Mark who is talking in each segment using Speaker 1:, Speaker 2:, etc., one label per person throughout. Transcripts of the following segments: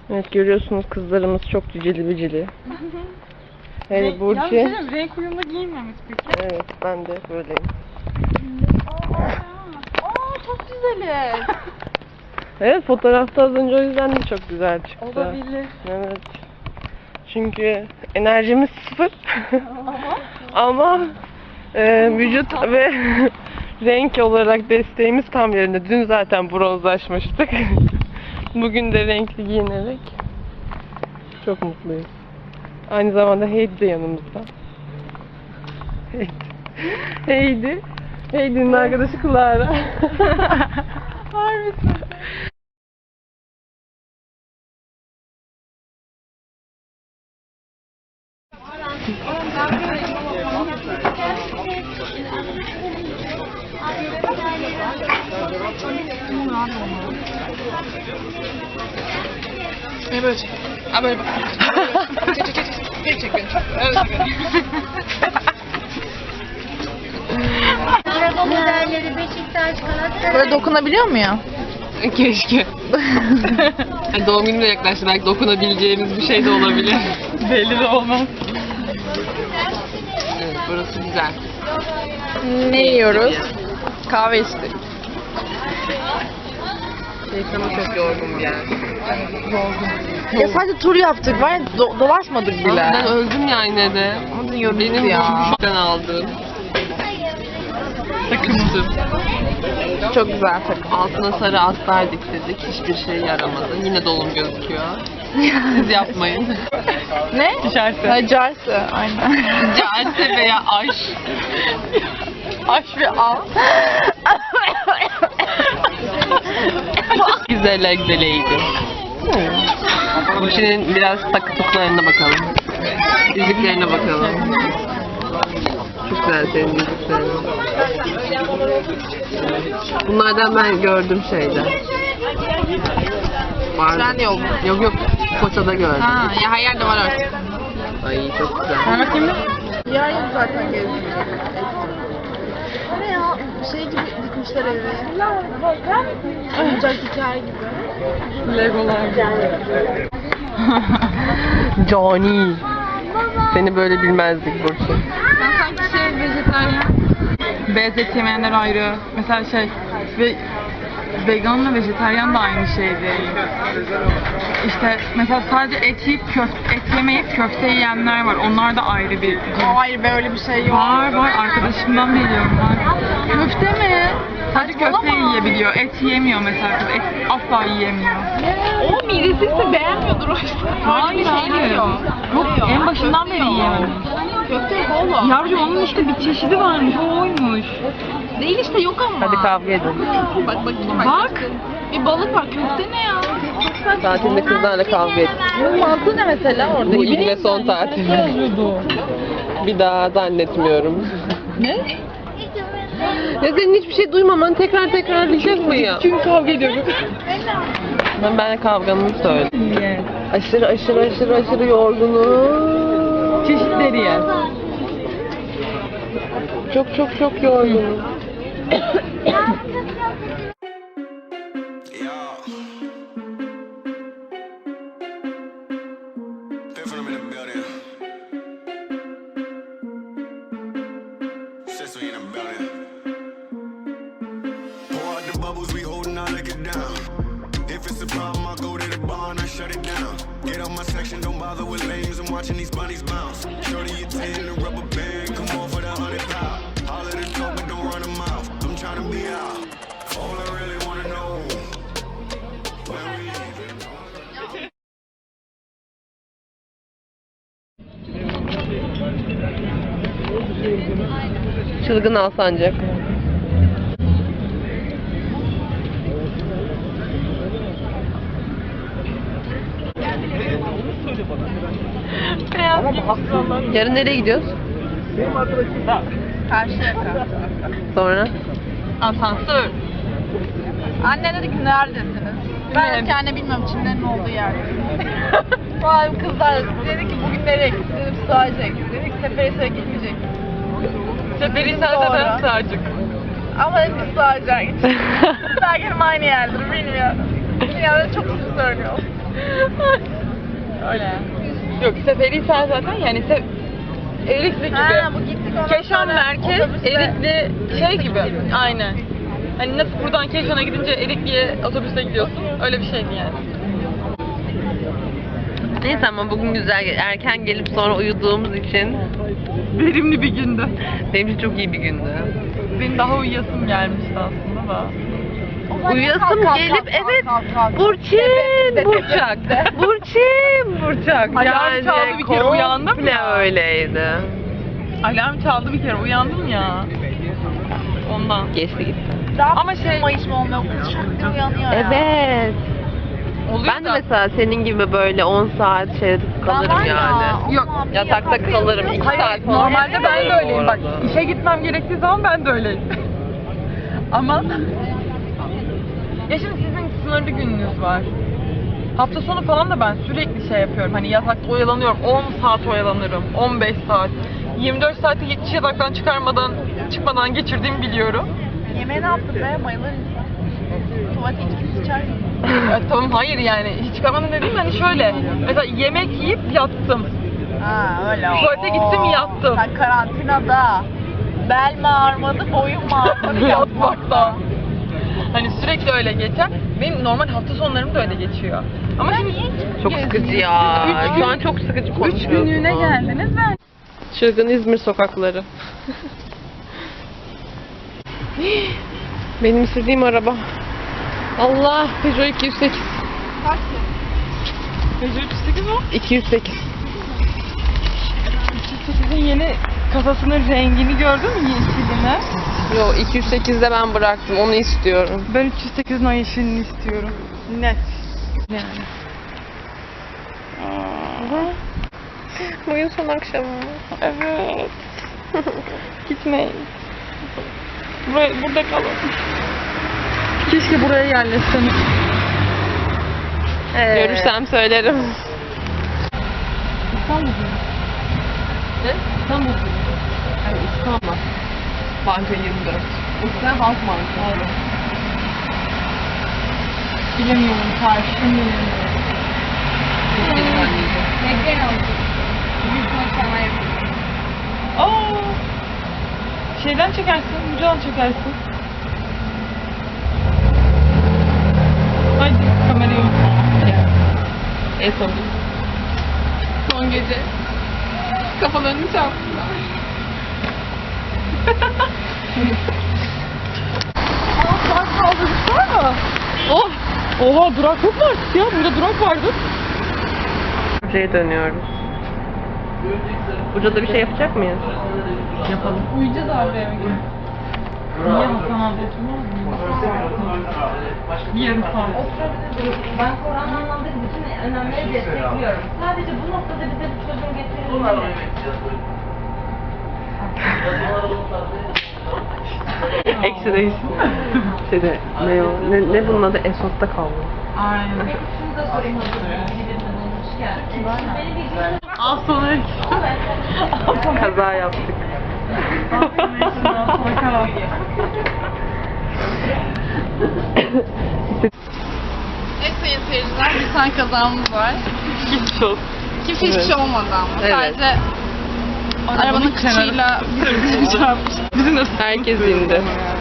Speaker 1: Evet, görüyorsunuz kızlarımız çok cicili bicili. Evet Burcu.
Speaker 2: Ya renk uyumlu giyinmemiş peki.
Speaker 1: Evet, ben de böyleyim.
Speaker 2: Çok güzeliz.
Speaker 1: Evet, fotoğrafta az önce o yüzden de çok güzel çıktı.
Speaker 2: Olabilir.
Speaker 1: Evet. Çünkü enerjimiz sıfır. Ama vücut ve renk olarak desteğimiz tam yerinde. Dün zaten bronzlaşmıştık. Bugün de renkli giyinerek çok mutluyuz. Aynı zamanda Heidi de yanımızda. Heidi. Heidi'nin arkadaşı Clara.
Speaker 2: Harbisin.
Speaker 1: Ne böyle çek? Ha böyle bak. Çek beni.
Speaker 3: Araba modelleri Beşiktaş, Galatasaray.
Speaker 2: Böyle dokunabiliyor mu ya?
Speaker 1: Keşke. Doğum günü de yaklaştı. Belki dokunabileceğimiz bir şey de olabilir.
Speaker 2: Belli de olmaz.
Speaker 1: Evet, burası güzel.
Speaker 2: Ne yiyoruz? Kahve içtik.
Speaker 1: Şeytanı çok yorgun bir yer.
Speaker 2: Ya sadece tur yaptık var ya dolaşmadık bile.
Speaker 1: Ben öldüm ya yine de. Benim
Speaker 2: ya.
Speaker 1: şuradan aldığım. Takıştım.
Speaker 2: Çok güzel takım.
Speaker 1: Altına sarı astar diktirdik. Hiçbir şey yaramadı. Yine dolum gözüküyor. Siz yapmayın.
Speaker 2: Ne?
Speaker 1: Carse.
Speaker 2: Ha, Carse. Aynen.
Speaker 1: Carse veya aş.
Speaker 2: Aş ve al.
Speaker 1: Güzel güzeleydi. Burçin'in biraz takıtıklarına bakalım. Yüzüklerine bakalım. Çok güzel senin yüzüklerin. Bunlardan ben gördüm şeyde. Var.
Speaker 2: Trendyol mu?
Speaker 1: Yok. Foça'da gördüm.
Speaker 2: Ha, ya her yerde var artık.
Speaker 1: Ay çok güzel.
Speaker 2: Ben bakayım mı? Yer yok zaten gezdim. Ne ya? Şey gibi dikmişler evi. Oyuncak diker gibi. Legolar gibi.
Speaker 1: Johnny. Seni böyle bilmezdik Burçin.
Speaker 2: Ben sanki vejetaryen. Beyaz et yemeyenler ayrı. Mesela ve veganla vejetaryen de aynı şeydi. İşte mesela sadece et yemeyip köfte yiyenler var. Onlar da ayrı bir. Hayır be öyle bir şey yok. Var arkadaşımdan biliyorum ben. Köfte mi? Sadece köfte yiyebiliyor. Et yiyemiyor mesela kız. Et asla yiyemiyor. O midesizse beğenmiyordur o yüzden. Hayır. Yok en başından beri yiyememiş. Köfte kola. Yavrucuğum onun işte bir çeşidi varmış. O oymuş. Değil işte yok ama.
Speaker 1: Hadi kavga edin.
Speaker 2: Bak. Bir balık var. Köfte ne ya?
Speaker 1: Tatilde kızlarla kavga et.
Speaker 2: Bunun mantığı ne mesela orada?
Speaker 1: Bu ilk ve son tatil. Bir daha zannetmiyorum.
Speaker 2: Ne?
Speaker 1: Ya senin hiçbir şey duymaman tekrarlayacak mı ya?
Speaker 2: Çünkü kavga ediyoruz.
Speaker 1: Ben kavgamı söyledim. Aşırı yorgunum.
Speaker 2: Çeşitleri yer.
Speaker 1: Çok yorgunum.
Speaker 4: Watching these bunnies bounce. Shorty, you 10 and a rubber band. Come on for the 100 pound. Holler the dope, but don't run them out. I'm trying to be out. All I really wanna know. When we leaving.
Speaker 1: Çılgın Alsancak. Yarın nereye gidiyoruz?
Speaker 2: Karşıyaka.
Speaker 1: Sonra?
Speaker 2: Asansör. Anne dedi ki neredesiniz? Ben dedim ki anne bilmiyorum Çinlerin olduğu yerde. Vay kızlar dedi ki bugün nereye gittik? Dedim sığacak. Dedik Seferihisar'a gitmeyecek. Seferihisar'da ben sığacak. Ama dedim ki sığacak. Sığacak aynı yerdir bilmiyorum. Yani çok söylüyor. Yok Seferihisar zaten yani Erikli gibi.
Speaker 3: Ha, bu gittik ondan
Speaker 2: Keşan
Speaker 3: sonra
Speaker 2: merkez,
Speaker 3: otobüste.
Speaker 2: Erikli şey gibi. Aynen. Hani nasıl buradan Keşan'a gidince Erikli'ye otobüste gidiyorsun. Öyle bir şeydi yani.
Speaker 1: Neyse ama bugün güzel erken gelip sonra uyuduğumuz için
Speaker 2: Verimli bir gündü.
Speaker 1: benim için çok iyi bir gündü.
Speaker 2: Benim daha uyuyasım gelmişti aslında da.
Speaker 1: Uyuyasım gelip evet Burçin Burçak. Burçin Burçak.
Speaker 2: Alarm çaldı bir kere, uyandım
Speaker 1: komple
Speaker 2: ya.
Speaker 1: öyleydi.
Speaker 2: Alarm çaldı bir kere uyandım ya. Ondan.
Speaker 1: Geçti gitti.
Speaker 2: Ama şey
Speaker 3: Mayıs mı olmuyor? Kız şak diye uyanıyor ya.
Speaker 1: Evet.
Speaker 2: oluyor
Speaker 1: Ben de
Speaker 2: da.
Speaker 1: mesela senin gibi böyle 10 saat şeyde kalırım
Speaker 3: var ya,
Speaker 1: yani.
Speaker 2: Yok,
Speaker 3: Allah'ım,
Speaker 1: Yatakta
Speaker 3: yatakta
Speaker 1: kalırım 2
Speaker 2: Hayır,
Speaker 1: saat falan.
Speaker 2: normalde ben de öyleyim bak.
Speaker 1: Bu arada.
Speaker 2: İşe gitmem gerektiği zaman ben de öyleyim. Ama ya şimdi sizin sınırlı gününüz var. Hafta sonu falan da ben sürekli şey yapıyorum. Hani yatakta oyalanıyorum. 10 saat oyalanırım. 15 saat. 24 saati hiç yataktan çıkmadan geçirdiğimi biliyorum.
Speaker 3: Yemeğe ne yaptın be? Bayılır insan. Tuvalete hiç sıçar mı?
Speaker 2: Tamam hayır yani hiç çıkamadım dediğim hani şöyle. Mesela yemek yiyip yattım.
Speaker 3: Ha öyle.
Speaker 2: Tuvalete gittim, yattım.
Speaker 3: Sen karantinada. Bel mi ağrımadı, boyun mu ağrımadı
Speaker 2: Yatmakta. Hani sürekli öyle geçer. Benim normal hafta sonlarım da öyle geçiyor. Ama şimdi
Speaker 1: Çok sıkıcı ya. Şu an çok sıkıcı
Speaker 2: 3
Speaker 1: konuşuyorsun.
Speaker 2: günlüğüne geldiniz ben.
Speaker 1: Çılgın İzmir sokakları. Benim istediğim araba. Allah, Peugeot 208.
Speaker 2: Peugeot 308 o.
Speaker 1: 208.
Speaker 2: 308'in yeni kasasının rengini gördün mü yeşilini?
Speaker 1: Yo 208'de ben bıraktım. Onu istiyorum.
Speaker 2: Ben 308'in o yeşilini istiyorum. Net. Yani.
Speaker 1: Bugün son akşamı.
Speaker 2: Evet. Gitmeyin. Burada kalın. Keşke buraya yerleşseniz.
Speaker 1: Görürsem söylerim.
Speaker 2: İstanbul.
Speaker 1: Ne?
Speaker 2: İstanbul.
Speaker 1: Yani İstanbul. Banka 24.
Speaker 2: Sen Halk Bankası. Bilemiyorum. Karşım.
Speaker 3: Bekleyin olsun. Bugün konuşmaya yapıyorum.
Speaker 2: Aa! Şeyden çekersin, bucadan çekersin. Haydi kamerayı unutma.
Speaker 1: Son. Son gece. Kafalarını çarptılar.
Speaker 2: Durak kaldırmış var mı?
Speaker 1: Oh!
Speaker 2: Oha durak yok mu artık ya? Burada durak vardı.
Speaker 1: Buraya dönüyoruz. Burada bir şey yapacak mıyız?
Speaker 2: Yapalım. Uyuyacağız abi eve gidip. Niye Hasan abi oturmaz mı? Bir yarım saat.
Speaker 5: Ben Kur'an anlamda bütün önemleri destekliyorum. Sadece bu noktada bize bu çocuğun getirilmeli.
Speaker 1: Eksi değilsin. Şeyde, ne o? Ne bunun adı? Esot'ta kaldı.
Speaker 2: Aynen.
Speaker 5: Şunu da sorayım hazır birini bulmuşken. Beni bir gün
Speaker 2: Az sonra
Speaker 1: Kaza yaptık.
Speaker 2: bakalım.
Speaker 6: Evet sayın seyirciler, bir tane kazamız var.
Speaker 1: Geçmiş olsun.
Speaker 6: Kimse hiçbir şey olmadı ama.
Speaker 1: Evet.
Speaker 6: Sadece arabanın kıçıyla birbirine çarpmış.
Speaker 2: Bizim de
Speaker 1: Herkes indi.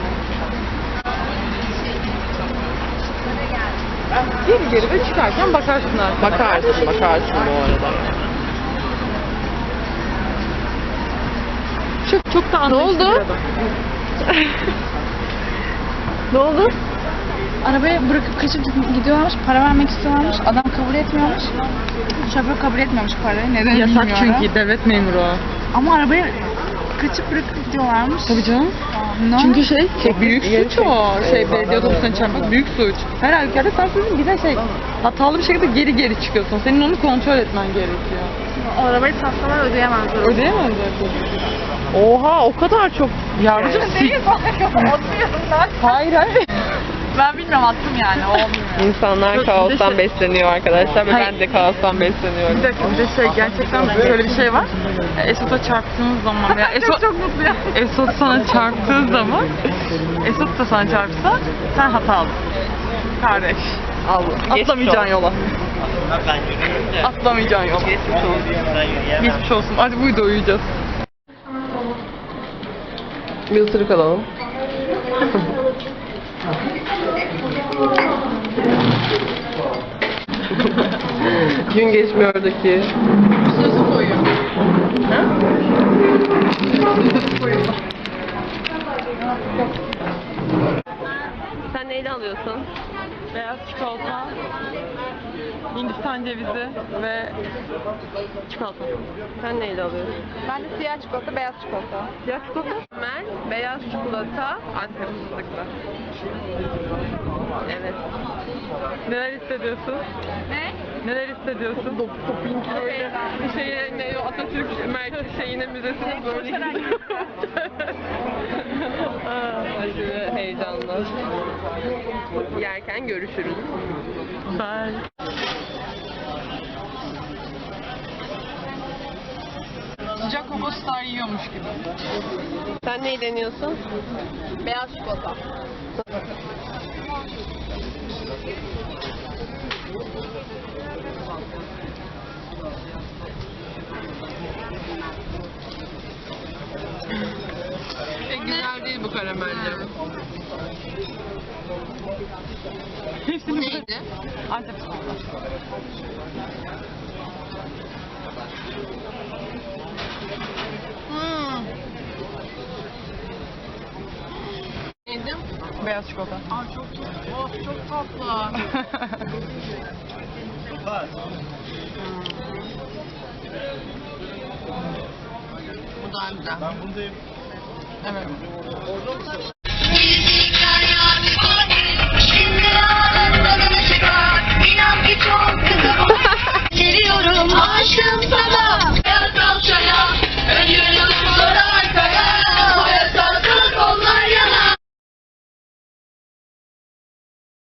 Speaker 2: geri geri ve çıkarken bakarsın artık.
Speaker 1: Bakarsın bu arada.
Speaker 2: Çok da
Speaker 1: Ne
Speaker 2: anlayışlı
Speaker 1: oldu?
Speaker 2: bir adam.
Speaker 1: Ne oldu?
Speaker 6: Arabayı bırakıp kaçıp gidiyorlarmış, para vermek istiyorlarmış. Adam kabul etmiyormuş. Şoför kabul etmiyormuş parayı. Neden
Speaker 2: Yasak
Speaker 6: bilmiyorum.
Speaker 2: çünkü devlet memuru o.
Speaker 6: Ama arabayı kaçıp bırakıp gidiyorlarmış.
Speaker 2: Tabii canım.
Speaker 6: Ne?
Speaker 2: Çünkü büyük
Speaker 1: geri
Speaker 2: suç o.
Speaker 1: çek.
Speaker 2: Belediye otobüsüne çarpmak büyük suç. Her halükarda sen sizin bir de hatalı bir şekilde geri çıkıyorsun. Senin onu kontrol etmen gerekiyor.
Speaker 6: O arabayı satsalar ödeyemezler.
Speaker 2: Ödeyemezler.
Speaker 1: Oha o kadar çok.
Speaker 2: Yavrucuğum Hayır hayır.
Speaker 6: Ben bilmiyorum, attım yani. Olmuyor.
Speaker 1: İnsanlar kaostan besleniyor arkadaşlar ve
Speaker 2: Hayır.
Speaker 1: ben de kaostan besleniyorum.
Speaker 2: Bir dakika bir de gerçekten şöyle bir şey var. Esot'a çarptığınız zaman veya Esot çok mutluyum. Esot sana çarptığı zaman Esot da sana çarpsa sen hatalısın. Kardeş.
Speaker 1: Al.
Speaker 2: Atlamayacağın yola.
Speaker 7: Ben yürüyeyim de.
Speaker 2: Atlamayacağın yok.
Speaker 7: Geçmiş olsun. Ben yürüyemem.
Speaker 2: Geçmiş olsun. Hadi buydu uyuyacağız.
Speaker 1: Bir ısırık alalım. Gün geçmiyor'daki.
Speaker 2: Sırası koyuyor.
Speaker 1: Ha? Sen neyle alıyorsun?
Speaker 2: Beyaz çikolata, Hindistan cevizi ve çikolata.
Speaker 1: Sen neyle alıyorsun?
Speaker 6: Ben de siyah çikolata, beyaz çikolata.
Speaker 1: Siyah çikolata. Ben beyaz çikolata, Antep fıstıklı. Evet.
Speaker 2: Neler hissediyorsun?
Speaker 6: Ne?
Speaker 2: Neler hissediyorsun?
Speaker 1: Böyle ne o Atatürk şeyine müzesine böyle aşırı heyecanlı. Yerken görüşürüz.
Speaker 2: Bye. Sıcak Coco Star yiyormuş gibi.
Speaker 1: Sen neyi deniyorsun?
Speaker 6: Beyaz çikolata.
Speaker 1: Güzel değil bu karamelli.
Speaker 2: Hepsini
Speaker 1: Neydi?
Speaker 2: Antep çikolata.
Speaker 1: Neydi?
Speaker 2: Beyaz çikolata.
Speaker 1: Çok tatlı. Bu daha güzel.
Speaker 2: Evet.